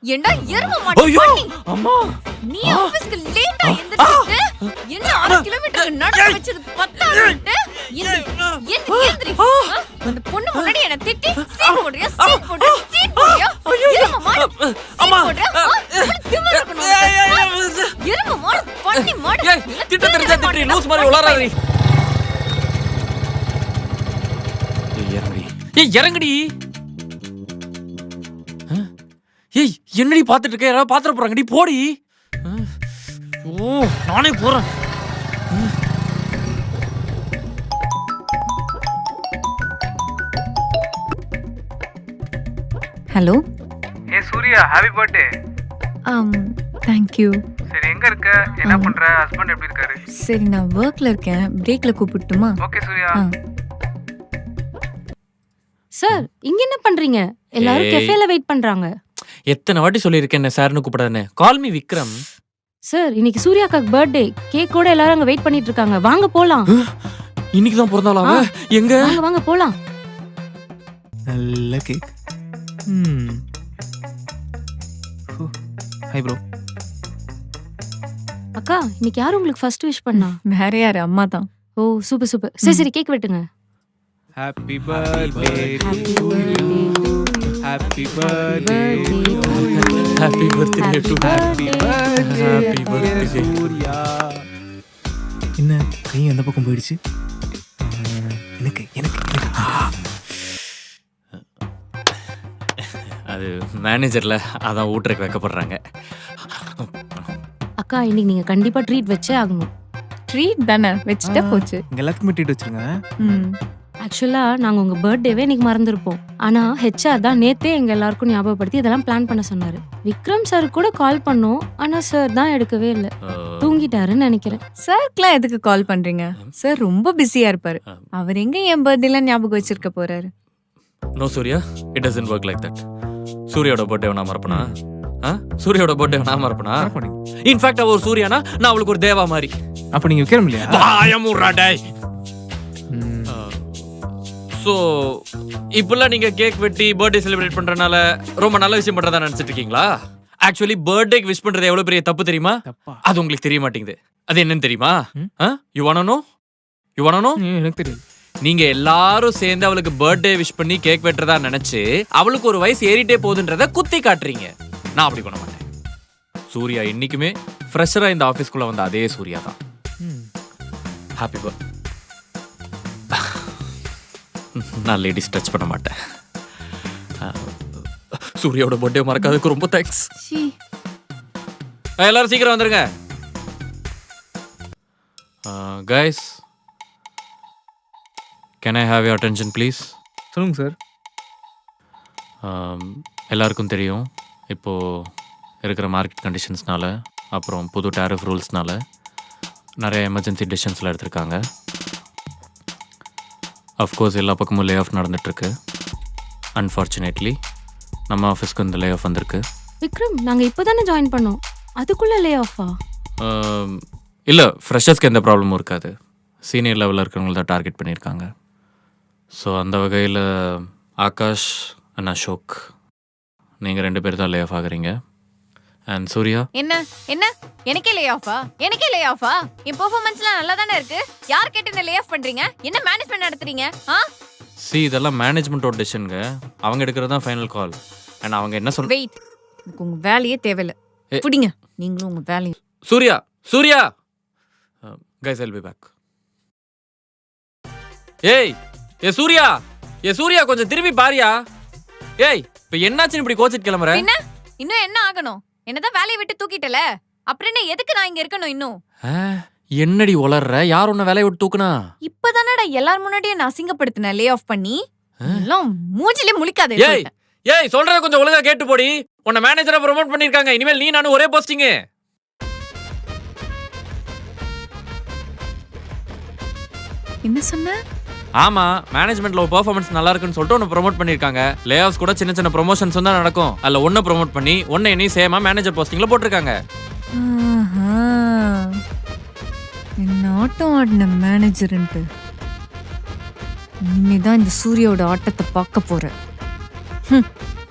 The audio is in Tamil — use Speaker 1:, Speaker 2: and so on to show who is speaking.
Speaker 1: ஏண்டா எரும மாடு
Speaker 2: ஐயோ
Speaker 1: பண்ணி
Speaker 2: அம்மா
Speaker 1: நீ ஆபீஸ்க்கு லேட்டா எந்திரிச்சிட்டு என்ன 6 கிலோமீட்டர் நடந்து வச்சது பத்தாதுட்டு எந்திரி அந்த பொண்ணு முன்னாடி என்ன திட்டி சீட் போடுறியா சீட் போடுறியா எரும மாடு
Speaker 2: அம்மா
Speaker 1: திமிரு இருக்கணும் எரும மாடு பண்ணி மாடு
Speaker 2: ஏய் திட்ட தெரிஞ்சா திட்டி லூஸ் மாதிரி உளறாதே இறங்குடி ஏய் என்னடி பாத்துட்டு இருக்க யாராவது பாத்துற போறாங்கடி போடி ஓ நானே போறேன்
Speaker 3: ஹலோ
Speaker 4: ஏ Surya happy birthday.
Speaker 3: Thank you.
Speaker 4: சரி எங்க இருக்க, என்ன பண்ற, ஹஸ்பண்ட் எப்படி இருக்காரு?
Speaker 3: சரி நான் ஒர்க்ல இருக்கேன், பிரேக்ல கூப்பிட்டுமா?
Speaker 4: ஓகே சூர்யா.
Speaker 5: சார் இங்க என்ன பண்றீங்க? எல்லாரும் கெஃபேல வெயிட் பண்றாங்க.
Speaker 2: எத்தனை வாட்டி சொல்லியிருக்கேன் என்ன சார்னு கூப்பிடாதே. Call me Vikram.
Speaker 5: சார் இன்னைக்கு சூர்யாக்காக்கு பர்த்டே, கேக் கூட எல்லாரும் அங்க வெயிட் பண்ணிட்டு இருக்காங்க. வாங்க போலாம்.
Speaker 2: இன்னைக்கு தான் பிறந்தாளா அவ? எங்க?
Speaker 5: வாங்க வாங்க போலாம்.
Speaker 6: நல்ல கேக். Hi bro.
Speaker 5: அக்கா இன்னைக்கு யார் உங்களுக்கு ஃபர்ஸ்ட் விஷ் பண்ணா?
Speaker 3: வேற யாரு? அம்மா தான்.
Speaker 5: Oh super super. சரி சரி கேக் வெட்டுங்க.
Speaker 6: Happy birthday to you. Happy birthday
Speaker 2: happy birthday to
Speaker 6: happy
Speaker 2: happy birthday
Speaker 6: Surya. என்ன கை அந்த பக்கம் போயிடுச்சு? எனக்கு எனக்கு
Speaker 2: அது மேனேஜர்ல அதான் ஊட்டருக்கு வைக்கப்படுறாங்க.
Speaker 5: அக்கா இன்னைக்கு நீங்க கண்டிப்பா ட்ரீட் வச்சே ஆகணும்.
Speaker 3: ட்ரீட் தானே, வச்சுட்டா போச்சு.
Speaker 6: இங்க எல்லாத்துக்குமே ட்ரீட் வச்சிருங்க.
Speaker 5: ஆக்சுவலா நாங்க உங்க பர்த்டேவே இன்னைக்கு மறந்துருப்போம். ஆனா ஹெச்ஆர் தான் நேத்தே எங்க எல்லாருக்கும் ஞாபகப்படுத்தி இதெல்லாம் பிளான் பண்ண சொன்னாரு. விக்ரம் சார் கூட கால் பண்ணோம், ஆனா சார் தான் எடுக்கவே இல்லை. தூங்கிட்டாருன்னு நினைக்கிறேன்.
Speaker 3: சார்க்குலாம் எதுக்கு கால் பண்றீங்க? சார் ரொம்ப பிஸியா இருப்பாரு. அவர் எங்க என் பர்த்டேலாம் ஞாபகம் வச்சிருக்க போறாரு?
Speaker 2: No Surya, it doesn't work like that. சூர்யாவோட பர்த்டே நான் மறப்பனா? சூர்யாவோட பர்த்டே நான் மறப்பனா? இன்ஃபேக்ட் அவ ஒரு சூர்யானா நான் அவளுக்கு ஒரு தேவா மாதிரி.
Speaker 6: அப்ப நீங்க விக்ரம் இல்லையா?
Speaker 2: வாயமுறா டேய். சோ இப்பெல்லாம் நீங்க கேக் வெட்டி பர்த்டே செலிப்ரேட் பண்றனால ரொம்ப நல்ல விஷயம் பண்றதா நினைச்சிட்டு இருக்கீங்களா? ஆக்சுவலி பர்த்டேக்கு விஷ் பண்றது எவ்வளவு பெரிய தப்பு தெரியுமா? அது உங்களுக்கு தெரிய மாட்டேங்குது. அது என்னன்னு தெரியுமா? You want to know? You want to know?
Speaker 6: எனக்கு தெரியும்.
Speaker 2: நீங்க எல்லாரும் சேர்ந்து அவளுக்கு பர்த்டே விஷ் பண்ணி கேக் வெட்டுறதா நினைச்சு அவளுக்கு ஒரு வயசு ஏறிட்டே போகுதுன்றத குத்தி காட்டுறீங்க. நான் அப்படி பண்ண மாட்டேன். சூர்யா இன்னைக்குமே ஃப்ரெஷரா இந்த ஆபீஸ்க்குள்ள வந்த அதே சூர்யா தான். Happy birthday. நான் லேடிஸ் டச் பண்ண மாட்டேன். சூர்யாவோட பர்த்டே மறக்காததுக்கு ரொம்ப தேங்க்ஸ். எல்லாரும் சீக்கிரம் வந்துருங்க. Guys, can I have your attention please?
Speaker 6: சொல்லுங்க சார்.
Speaker 2: எல்லாருக்கும் தெரியும் இப்போது இருக்கிற மார்க்கெட் கண்டிஷன்ஸ்னால அப்புறம் புது டேரிஃப் ரூல்ஸ்னால நிறைய எமர்ஜென்சி டெசிஷன்ஸ்லாம் எடுத்திருக்காங்க. அஃப்கோர்ஸ் எல்லா பக்கமும் லே ஆஃப் நடந்துகிட்ருக்கு. அன்ஃபார்ச்சுனேட்லி நம்ம ஆஃபீஸ்க்கு இந்த லே ஆஃப் வந்திருக்கு.
Speaker 5: விக்ரம் நாங்க இப்போதானே ஜாயின் பண்ணோம், அதுக்குள்ள லே ஆஃபா?
Speaker 2: இல்லை, ஃப்ரெஷர்ஸ்க்கு எந்த ப்ராப்ளமும் இருக்காது. சீனியர் லெவலில் இருக்கிறவங்கள தான் டார்கெட் பண்ணியிருக்காங்க. ஸோ அந்த வகையில் ஆகாஷ் அண்ட் அசோக் நீங்கள் 2 பேர் தான் லே ஆஃப் ஆகுறீங்க. அண்ட் சூர்யா
Speaker 1: என்ன என்ன எனக்கே லே ஆஃபா? எனக்கே லே ஆஃபா? என் பெர்ஃபார்மன்ஸ்லாம் நல்லா தானே இருக்கு. யார் கேட்டு என்ன லே ஆஃப் பண்றீங்க? என்ன மேனேஜ்மெண்ட் நடத்துறீங்க?
Speaker 2: இதெல்லாம் மேனேஜ்மெண்ட்டோட டெசிஷனுங்க. அவங்க எடுக்கிறது தான் ஃபைனல் கால். அண்ட் அவங்க என்ன சொல்ற?
Speaker 1: வெயிட், எனக்கு உங்க வேலையே தேவையில்லை. புடிங்க நீங்களும் உங்க வேலையை.
Speaker 2: Surya Surya guys, I'll be back. ஏய் சூர்யா, சூர்யா கொஞ்சம் திரும்பி பாரியா. ஏய் இப்ப என்னாச்சுன்னு இப்படி கோச்சிட்டு கிளம்புற?
Speaker 1: என்ன இன்னும் என்ன ஆகணும்? என்னதான் வேலையை விட்டு தூக்கிட்டல, அப்புறம் என்ன எதுக்கு நான் இங்க இருக்கணும் இன்னும்?
Speaker 2: என்னடி உளர்ற? யார் உன்னை வேலையை விட்டு தூக்குனா?
Speaker 1: இப்பதானடா எல்லார் முன்னாடியே நான் அசிங்கப்படுத்தின லே ஆஃப் பண்ணி. எல்லாம் மூஞ்சிலே முழிக்காதே.
Speaker 2: ஏய் சொல்றத கொஞ்சம் ஒழுங்கா கேட்டு போடி. உன்னை மேனேஜரா ப்ரோமோட் பண்ணிருக்காங்க. இனிமேல் நீ நானும் ஒரே போஸ்டிங்.
Speaker 3: என்ன சொன்ன?
Speaker 2: ஆமா, மேனேஜ்மெண்ட்ல பெர்ஃபார்மன்ஸ் நல்லா இருக்குன்னு சொல்லிட்டு உன்னை ப்ரோமோட் பண்ணிருக்காங்க. லே ஆஃப்ஸ் கூட சின்ன சின்ன ப்ரொமோஷன்ஸ் தான் நடக்கும். அதுல ஒன்னை ப்ரோமோட் பண்ணி ஒன்னை நீ சேமா மேனேஜர் போஸ்டிங்ல போட்டிருக்காங்க.
Speaker 3: என்ன ஆட்டம் ஆடின மேனேஜர்ன்ட்டு இனிமேதான் இந்த சூர்யாவோட ஆட்டத்தை பார்க்க போறேன்.